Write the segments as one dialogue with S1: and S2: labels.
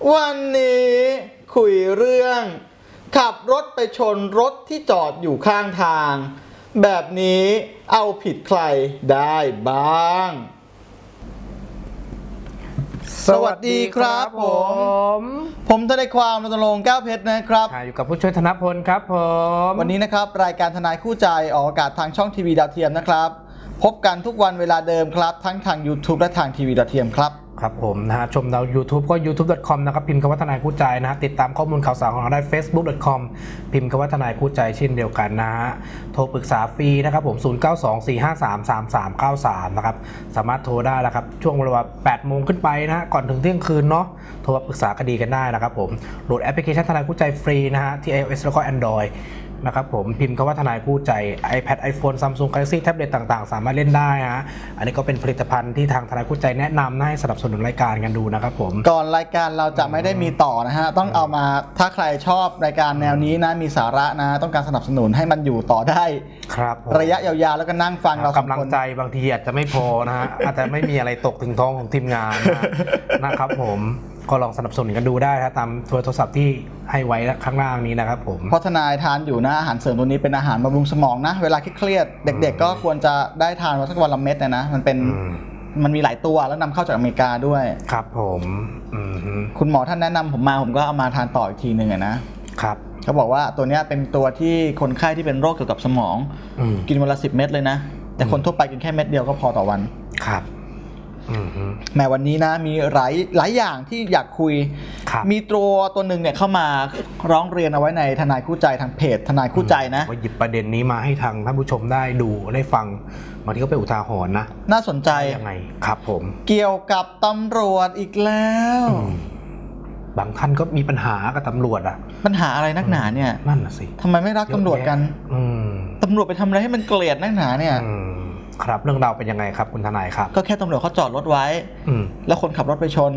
S1: วันนี้คุยเรื่องขับรถไปชนรถที่จอดอยู่ข้างทางแบบนี้เอาผิดใครได้บ้างสวัสดีครับผมทนายความรณรงค์แก้วเพชรนะครับ
S2: อยู่กับผู้ช่วยธนพลครับผม
S1: วันนี้นะครับรายการทนายคู่ใจออกอากาศทางช่องทีวีดาวเทียมนะครับพบกันทุกวันเวลาเดิมครับทั้งทาง YouTube และทางทีวีดาวเทียมครับ
S2: ครับผมนะฮะชมเรา YouTube ก็ youtube.com นะครับพิมพ์คำว่าทนายคู่ใจนะฮะติดตามข้อมูลข่าวสารของเราได้ facebook.com พิมพ์คำว่าทนายคู่ใจเช่นเดียวกันนะฮะโทรปรึกษาฟรีนะครับผม0924533393นะครับสามารถโทรได้แล้วครับช่วงเวลา 8 โมงขึ้นไปนะฮะก่อนถึงเที่ยงคืนเนาะโทรปรึกษาคดีกันได้นะครับผมโหลดแอปพลิเคชันทนายคู่ใจฟรีนะฮะที่ iOS แล้วก็ Androidนะครับผมพิมพ์คำว่าทนายคู่ใจ iPad iPhone Samsung Galaxy แท็บเล็ตต่างๆสามารถเล่นได้ฮะอันนี้ก็เป็นผลิตภัณฑ์ที่ทางทนายคู่ใจแนะนำให้สนับสนุนรายการกันดูนะครับผม
S1: ก่อนรายการเราจะไม่ได้มีต่อนะฮะต้องเอามาถ้าใครชอบรายการแนวนี้นะมีสาระนะต้องการสนับสนุนให้มันอยู่ต่อได้
S2: ครับ
S1: ระยะยาวๆแล้วก็นั่งฟังเรา
S2: กำลังใจบางทีอาจจะไม่พอนะฮะอาจจะไม่มีอะไรตกถึงท้องของทีมงานนะครับผมก็ลองสนับสนุนกันดูได้นะตามโทรศัพท์ที่ให้ไว้ข้างล่างนี้นะครับผม
S1: เพราะทนายทานอยู่นะอาหารเสริมตัวนี้เป็นอาหารบำรุงสมองนะเวลาเครียดเด็กๆก็ควรจะได้ทานสักวันละเม็ดนะมันมีหลายตัวแล้วนำเข้าจากอเมริกาด้วย
S2: ครับผม
S1: คุณหมอท่านแนะนำผมก็เอามาทานต่ออีกทีหนึ่งนะครับเขาบอกว่าตัวนี้เป็นตัวที่คนไข้ที่เป็นโรคเกี่ยวกับสมองกินวันละ10 เม็ดเลยนะแต่คนทั่วไปกินแค่เม็ดเดียวก็พอต่อวัน
S2: ครับ
S1: แม้วันนี้นะมีหลายอย่างที่อยากคุยมีตัวหนึ่งเนี่ยเข้ามาร้องเรียนเอาไว้ในทนายคู่ใจทางเพจทนายคู่ใจนะ
S2: ว่าหยิบประเด็นนี้มาให้ทางท่านผู้ชมได้ดูได้ฟังบางทีก็เป็นอุทาหรณ์นะ
S1: น่าสนใจ
S2: ยังไงครับผม
S1: เกี่ยวกับตำรวจอีกแล้ว
S2: บางท่านก็มีปัญหากับตำรวจอะ
S1: ปัญหาอะไรนักหนาเนี่ย
S2: นั่นน่ะสิ
S1: ทำไมไม่รักตำรวจกันตำรวจไปทำอะไรให้มันเกลียดนักหนาเนี่ย
S2: ครับเรื่องราวเป็นยังไงครับคุณทนายครับ
S1: ก็แค่ตำรวจเขาจอดรถไว้แล้วคนขับรถไปชน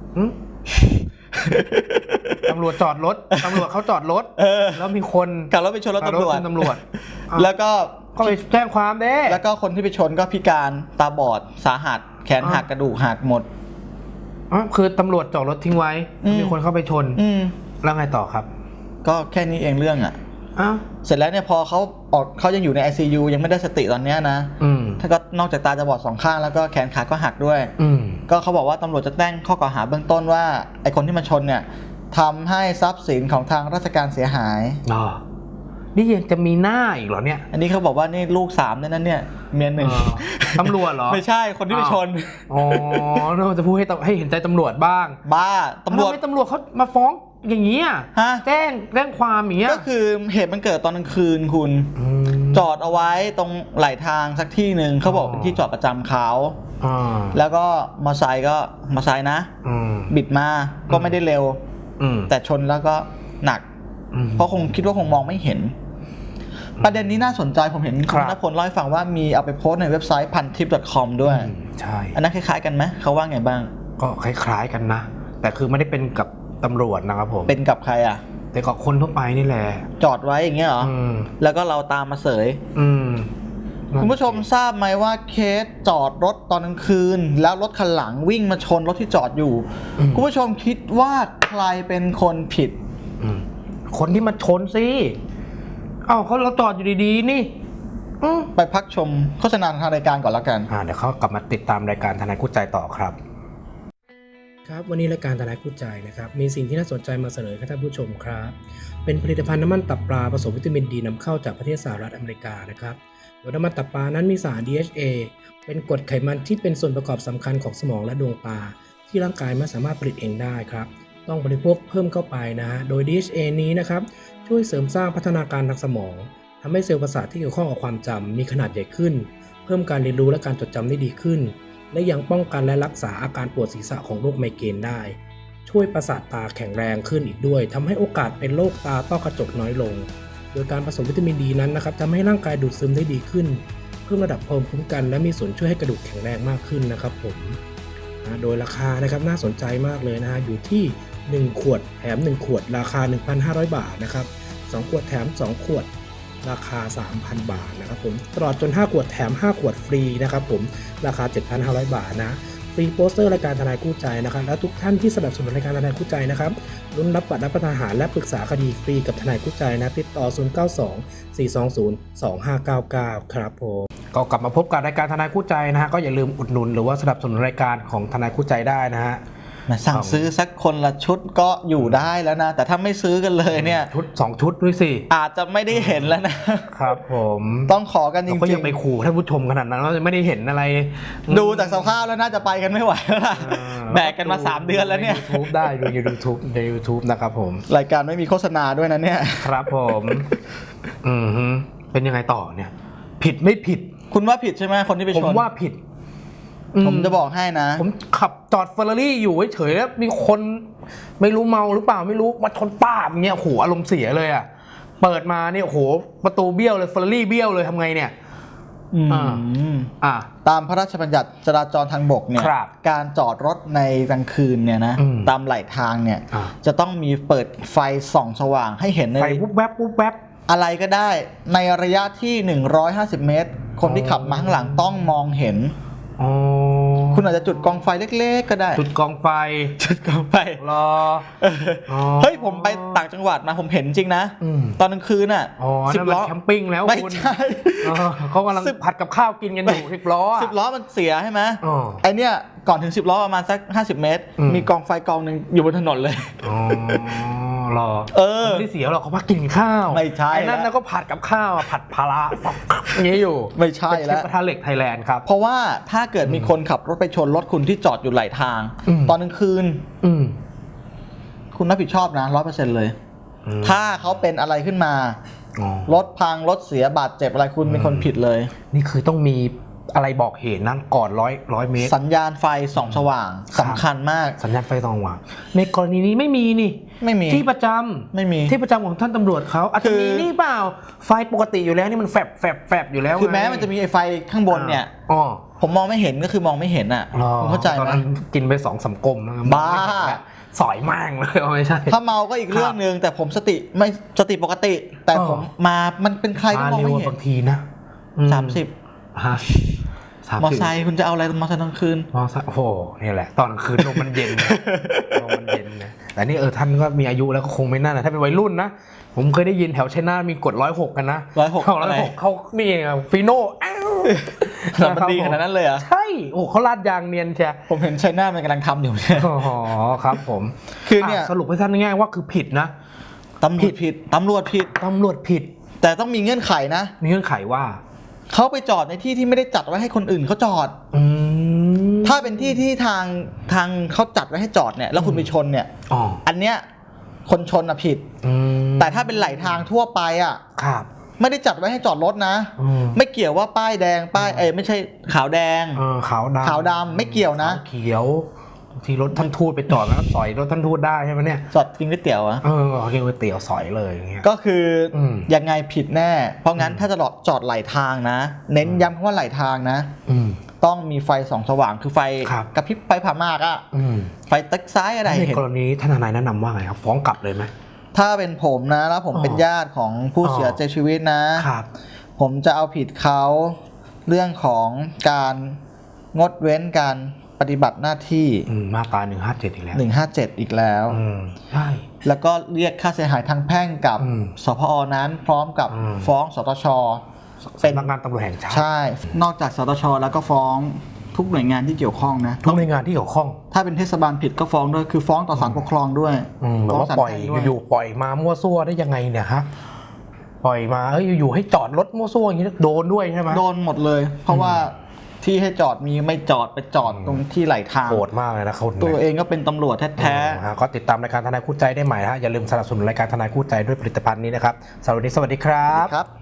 S2: ตำรวจจอดรถตำรวจเขาจอดรถแล้วมีคน
S1: ขับรถไปชนรถตำรวจแล้วก็
S2: ไปแจ้งความเด้
S1: แล้วก็คนที่ไปชนก็พิการตาบอดสาหัสแขนหักกระดูกหักหมด
S2: คือตำรวจจอดรถทิ้งไว้มีคนเข้าไปชนแล้วไงต่อครับ
S1: ก็แค่นี้เองเรื่องเสร็จแล้วเนี่ยพอเขายังอยู่ใน ICU ยังไม่ได้สติตอนนี้นะถ้าก็นอกจากตาจะบอด2 ข้างแล้วก็แขนขาก็หักด้วยก็เขาบอกว่าตำรวจจะแจ้งข้อกล่าวหาเบื้องต้นว่าไอ้คนที่มาชนเนี่ยทำให้ทรัพย์สินของทางราชการเสียหาย
S2: นี่ยังจะมีหน้าอีกเหรอเนี่ย
S1: อันนี้เขาบอกว่านี่ลูก3เนี่ยนั่นเนี่ยเมีย1
S2: ตำรวจเหรอ
S1: ไม่ใช่คนที่ไปชน
S2: เราจะพูดให้เห็นใจตำรวจบ้าง
S1: บ้าตำรวจ
S2: เขามาฟ้องอย่างนี้แจ้งความอย่างเงี้ย
S1: ก็คือเหตุมันเกิดตอนกลางคืนคุณจอดเอาไว้ตรงไหลทางสักที่หนึ่งเขาบอกเป็นที่จอดประจำเขาแล้วก็มอไซค์นะบิดมาก็ไม่ได้เร็วแต่ชนแล้วก็หนักเพราะคงคิดว่าคงมองไม่เห็นประเด็นนี้น่าสนใจผมเห็นคุณณพลเล่าให้ฟังว่ามีเอาไปโพสต์ในเว็บไซต์ พันทิป.com ด้วย
S2: ใช่
S1: อันนั้นคล้ายๆกันไหมเขาว่าไงบ้าง
S2: ก็คล้ายๆกันนะแต่คือไม่ได้เป็นกับตำรวจนะครับผม
S1: เป็นกับใคร
S2: แต่กับคนทั่วไปนี่แหละ
S1: จอดไว้อย่างเงี้ยเหรอแล้วก็เราตามมาเสยคุณผู้ชมทราบไหมว่าเคสจอดรถตอนกลางคืนแล้วรถคันหลังวิ่งมาชนรถที่จอดอยู่คุณผู้ชมคิดว่าใครเป็นคนผิด
S2: คนที่มาชนสิเราจอดอยู่ดีๆนี่
S1: ไปพักชมโฆษณาทางรายการก่อนแล้วกัน
S2: เดี๋ยวเขากลับมาติดตามรายการทนายคู่ใจต่อครับครับวันนี้รายการทนายคู่ใจนะครับมีสิ่งที่น่าสนใจมาเสนอให้ท่านผู้ชมครับเป็นผลิตภัณฑ์น้ำมันตับปลาผสมวิตามินดีนำเข้าจากประเทศสหรัฐอเมริกานะครับโดยน้ำมันตับปลานั้นมีสาร DHA เป็นกรดไขมันที่เป็นส่วนประกอบสำคัญของสมองและดวงตาที่ร่างกายไม่สามารถผลิตเองได้ครับต้องบริโภคเพิ่มเข้าไปนะโดย DHA นี้นะครับช่วยเสริมสร้างพัฒนาการทางสมองทำให้เซลล์ประสาทที่เกี่ยวข้องกับความจำมีขนาดใหญ่ขึ้นเพิ่มการเรียนรู้และการจดจำได้ดีขึ้นและยังป้องกันและรักษาอาการปวดศีรษะของโรคไมเกรนได้ช่วยประสาทตาแข็งแรงขึ้นอีกด้วยทำให้โอกาสเป็นโรคตาต้อกระจกน้อยลงโดยการผสมวิตามินดีนั้นนะครับทำให้ร่างกายดูดซึมได้ดีขึ้นเพิ่มระดับภูมิคุ้มกันและมีส่วนช่วยให้กระดูกแข็งแรงมากขึ้นนะครับผมโดยราคานะครับน่าสนใจมากเลยนะอยู่ที่1 ขวดแถม1 ขวดราคา 1,500 บาทนะครับ2 ขวดแถม2 ขวดราคา 3,000 บาทนะครับผมตลอดจน5 ขวดแถม5 ขวดฟรีนะครับผมราคา 7,500 บาทนะฟรีโปสเตอร์รายการทนายคู่ใจนะครับและทุกท่านที่สนับสนุนรายการทนายคู่ใจนะครับลุ้นรับบัตรรับประทานอาหารและปรึกษาคดีฟรีกับทนายคู่ใจนะติดต่อ 0924202599 ครับผมก็กลับมาพบกับรายการทนายคู่ใจนะฮะก็อย่าลืมอุดหนุนหรือว่าสนับสนุนรายการของทนายคู่ใจได้นะฮะ
S1: สั่งซื้อสักคนละชุดก็อยู่ได้แล้วนะแต่ถ้าไม่ซื้อกันเลยเนี่ย
S2: ชุด2ชุดด้วยสิ
S1: อาจจะไม่ได้เห็นแล้วนะครับ
S2: ผม
S1: ต้องขอกันจริงๆ
S2: ก็ยังไปขู่ท่านผู้ชมขนาดนั้นเราจะไม่ได้เห็นอะไร
S1: ดูจากสภาพแล้วน่าจะไปกันไม่ไหวแล้วล่ะแบกกันมา3 เดือนแล้วเนี่ย
S2: YouTube ได้ดูใน YouTube นะครับผม
S1: รายการไม่มีโฆษณาด้วยนะเนี่ย
S2: ครับผมเป็นยังไงต่อเนี่ยผิดไม่ผิด
S1: คุณว่าผิดใช่ไหมคนที่ไปชน
S2: ผมว่าผิด
S1: ผมจะบอกให้นะ
S2: ผมขับจอดเฟอร์รารี่อยู่เฉยๆแล้วมีคนไม่รู้เมาหรือเปล่าไม่รู้มาชนป้าอย่างเงี้ยโอ้โหอารมณ์เสียเลยอ่ะเปิดมาเนี่ยโอ้โหประตูเบี้ยวเลยเฟอร์รารี่เบี้ยวเลยทำไงเนี่ย
S1: ตามพระราชบัญญัติจราจรทางบกเนี่ยการจอดรถในกลางคืนเนี่ยนะตามไหลทางเนี่ยจะต้องมีเปิดไฟส่องสว่างให้เห็นใน
S2: ไฟวุบแวบวุบแวบ
S1: อะไรก็ได้ในระยะที่150 เมตรคนที่ขับมาข้างหลังต้องมองเห็นคุณอาจจะจุดกองไฟเล็กๆก็ได้
S2: จุดกองไฟรอ
S1: เฮ้ยผมไปต่างจังหวัดมาผมเห็นจริงนะตอนกลางคืนอ่ะ
S2: 10 ล้อแคมปิ้งแล้ว
S1: ไม่ใช่
S2: เขากำลังผัดกับข้าวกินกันอยู่10 ล้อ
S1: 10 ล้อมันเสียใช่ไหมไอเนี้ยก่อนถึง10 ล้อประมาณสัก50 เมตรมีกองไฟกองหนึ่งอยู่บนถนนเลย
S2: รอไม่ได้เสียหรอกเขาพักกินข้าว
S1: ไม่ใช่
S2: ไอ้นั่นก็ผัดกับข้าวผัดพาราอย่างนี้อยู่
S1: ไม่ใช่แล้ว
S2: กระทะเหล็กไทยแลนด์ครับ
S1: เพราะว่าถ้าเกิดมีคนขับรถไปชนรถคุณที่จอดอยู่ไหลทางตอนกลางคืนคุณรับผิดชอบนะ100%เลยถ้าเขาเป็นอะไรขึ้นมารถพังรถเสียบาดเจ็บอะไรคุณเป็นคนผิดเลย
S2: นี่คือต้องมีอะไรบอกเหตุนั้นก่อน100 เมตร
S1: สัญญาณไฟส่องสว่างสำคัญมาก
S2: สัญญาณไฟส่องสว่างในกรณีนี้ไม่มีนี่
S1: ไม่มี
S2: ที่ประจำ
S1: ไม่มี
S2: ที่ประจำของท่านตำรวจเขาอาจจะมีนี่เปล่าไฟปกติอยู่แล้วนี่มันแฟบอยู่แล้ว
S1: คือแม้มันจะมีไฟข้างบนเนี่ยผมมองไม่เห็นก็คือมองไม่เห็นอ่ะผมเข้าใจไหมตอนนั้น
S2: กินไป2-3 กลม
S1: บ้า
S2: สอยมากเลยไม่ใช่
S1: ถ้าเมาก็อีกเรื่องนึงแต่ผมสติปกติแต่ผมมามันเป็นใครก็มองไม่เห็น
S2: บางทีนะ
S1: 30มอไซค์คุณจะเอาอะไรมอไซค์ตอนคืน
S2: มอไซค์โอ้โหนี่แหละตอนคืนลมมันเย็นลมมันเย็นนะแต่นี่ท่านก็มีอายุแล้วก็คงไม่น่านะถ้าเป็นวัยรุ่นนะผมเคยได้ยินแถวชัยนาทมีกฎ106กันนะ
S1: 106
S2: เขามีฟีโน่
S1: มันดีขนาดนั้นเลยเหรอ
S2: ใช่โอ้เขาลาดยางเนียนใช่
S1: ผมเห็นชัยนาทมันกำลังทำอยู่เนี่ย
S2: อ๋อครับผม
S1: คือเนี่ย
S2: สรุปให้ท่านง่ายๆว่าคือผิดนะ
S1: ตำรวจผิดแต่ต้องมีเงื่อนไขนะ
S2: มีเงื่อนไขว่า
S1: เขาไปจอดในที่ที่ไม่ได้จัดไว้ให้คนอื่นเขาจอดถ้าเป็นที่ที่ทางเขาจัดไว้ให้จอดเนี่ยแล้วคุณไปชนเนี่ยอันเนี้ยคนชนอะผิดแต่ถ้าเป็นไหลทางทั่วไปอะไม่ได้จัดไว้ให้จอดรถนะไม่เกี่ยวว่าป้ายแดงป้ายไม่ใช่ขาวแดงขาวดำไม่เกี่ยวนะ
S2: เขียวที่รถท่านทูตไปจอดแล้วสอยรถท่านทูตได้ใช่ไหมเนี่ย
S1: จอดกินก๋วยเตี๋ยวอะ
S2: กินก๋วยเตี๋ยวสอยเลยอย่างเงี้ย
S1: ก็คือยังไงผิดแน่เพราะงั้นถ้าจะจอดไหลทางนะเน้นย้ำคำว่าไหลทางนะต้องมีไฟส่องสว่างคือไฟกระพริบไฟผ่ามากอะไฟตึกซ้ายอะไร
S2: ในกรณีท่านทนายแนะนำว่าไงครับฟ้องกลับเลยไหม
S1: ถ้าเป็นผมนะแล้วผมเป็นญาติของผู้เสียชีวิตนะผมจะเอาผิดเขาเรื่องของการงดเว้นการปฏิบัติหน้าที่
S2: มาตรา157อีกแล้ว
S1: 157อีกแล้ว
S2: ใช่
S1: แล้วก็เรียกค่าเสียหายทางแพ่งกับสพอนั้นพร้อมกับฟ้องสตช.
S2: เป็นสำนักงานตำรวจแห่งชาติ
S1: ใช่นอกจากสตช.แล้วก็ฟ้องทุกหน่วยงานที่เกี่ยวข้องนะ
S2: ทุกหน่วยงานที่เกี่ยวข้อง
S1: ถ้าเป็นเทศบาลผิดก็ฟ้องด้วยคือฟ้องต่อศาลปกครองด้วย
S2: แบบว่าปล่อยอยู่ปล่อยมามั่วซั่วได้ยังไงเนี่ยฮะปล่อยมาอยู่ให้จอดรถมั่วซั่วอย่างนี้โดนด้วยใช่ไหม
S1: โดนหมดเลยเพราะว่าที่ให้จอดมีไม่จอดไปจอดตรงที่ไหลทาง
S2: โหดมากเลยนะเขา
S1: ตัวเองก็เป็นตำรวจแท้
S2: ๆก็ติดตามรายการทนายคู่ใจได้ใหม่ฮะอย่าลืมสนับสนุนรายการทนายคู่ใจด้วยผลิตภัณฑ์นี้นะครับสวัสดีครับ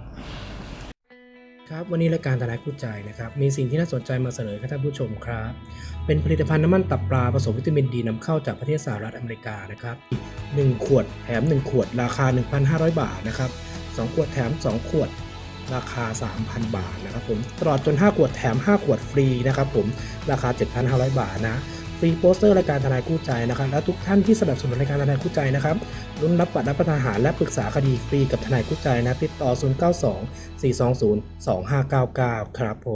S2: ครับวันนี้รายการทนายคู่ใจนะครับมีสิ่งที่น่าสนใจมาเสนอให้ท่านผู้ชมครับเป็นผลิตภัณฑ์น้ำมันตับปลาผสมวิตามินดีนำเข้าจากประเทศสหรัฐอเมริกานะครับ1 ขวดแถม1 ขวดราคา 1,500 บาทนะครับ2 ขวดแถม2 ขวดราคา 3,000 บาทนะครับผมตลอดจน5 ขวดแถม5 ขวดฟรีนะครับผมราคา 7,500 บาทนะฟรีโปสเตอร์รายการทนายคู่ใจนะครับและทุกท่านที่สนับสนุนรายการทนายคู่ใจนะครับลุ้นรับบัตรรับประทานอาหารและปรึกษาคดีฟรีกับทนายคู่ใจนะติดต่อ 0924202599 ครับผม